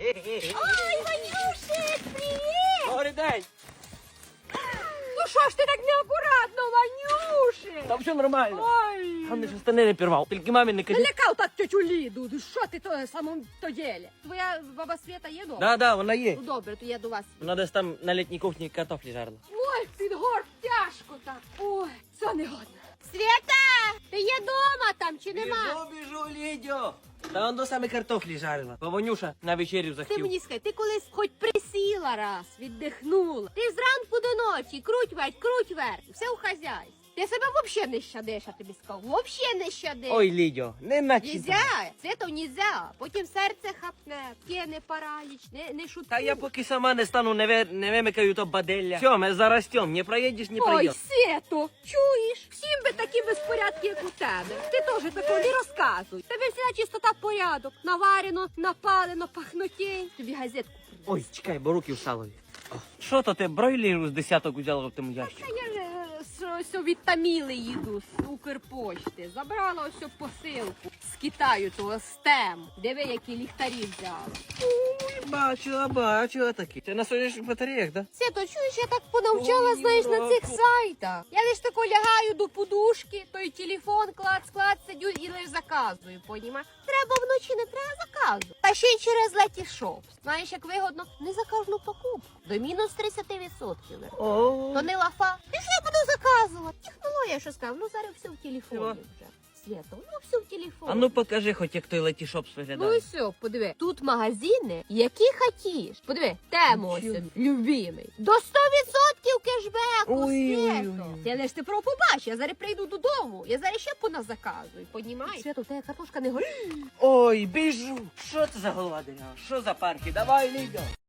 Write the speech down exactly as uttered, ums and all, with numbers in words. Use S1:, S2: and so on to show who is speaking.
S1: Ой, Ванюшик, привіт!
S2: Добрий день!
S1: Ну що ж ти так неакуратно, Ванюшик?
S2: Там все нормально.
S1: Ой!
S2: Там не штани не пірвав. Тільки мамі не кажи.
S1: Налякав так тетю Ліду. Ну що ти то самому то ділі? Твоя баба Свята є дома?
S2: Да, да, вона є.
S1: Ну добре, то я до вас.
S2: Вона десь там на літній кухні картофлі жарила.
S1: Ой, під горб тяжко так. Ой, це не годно. Свята, ти є дома там чи нема?
S2: Біжу, біжу, Лідьо. Та он до саме картофлі жарила. Бо Ванюша на вечерю
S1: Ти
S2: захотів.
S1: мені скажи, ти колись хоч присіла раз, віддихнула. Ти зранку до ночі, круть верть, круть верть, все у хазяйстві. Ти себе взагалі не щадиш, я тобі сказав. Взагалі не щадиш.
S2: Ой, Лідьо, не наче.
S1: Нельзя, Свято, нельзя. Потім серце хапне, кине параліч, не, не шутку.
S2: Та я поки сама не стану, не, ви, не вимикаю то баделля. Все, ми зарастем, не проїдеш, не
S1: Ой,
S2: проїдеш.
S1: Свято, чуєш? Всім би такі безпорядки, як у тебе. Ти теж такого не розказуй. Тебе вся чистота порядок. Наварено, напалено, пахнотінь. Тобі газетку принесу.
S2: Ой, чекай, бо руки в салові. Що то ти бройлеру з десяток взяла в тому ящику?
S1: Та я ж е, що- що від Таміли їду з Укрпошти. Забрала ось посилку з Китаю, того стем. Диви, які ліхтарі взяла.
S2: Ой, бачила, бачила такі. Це на сонячних батареях, да?
S1: Свято, чуєш, я так понавчала,
S2: Ой,
S1: знаєш, на цих
S2: Рако.
S1: сайтах. Я лиш тако лягаю до подушки, той телефон клац, клац, сидю і лиш заказую, понімаєш? Треба вночі, не треба заказу. Та ще й через Letyshops. Знаєш, як вигодно, не за кожну покупку. До мінус тридцять відсотків.
S2: О,
S1: То не лафа. І що я буду заказувати? Технологія, що сказав, ну зараз все в телефоні
S2: Всього?
S1: вже. Свято, ну все в телефоні.
S2: а ну покажи хоч, як той Letyshops
S1: Ну
S2: виглядає.
S1: і все, подиви. Тут магазини, які хотіш. Подиви, тему ось,
S2: Нічого.
S1: любимий. До сто відсотків кешбеку,
S2: Ой, ой,
S1: Свято.
S2: ой.
S1: Ти лиш ти про побач, я зараз прийду додому. Я зараз ще поназаказую, понімаєш? Свято, у тебе картошка не горить.
S2: Ой, біжу. Що це за голова дерева? Що за парки? Давай, Лідьо.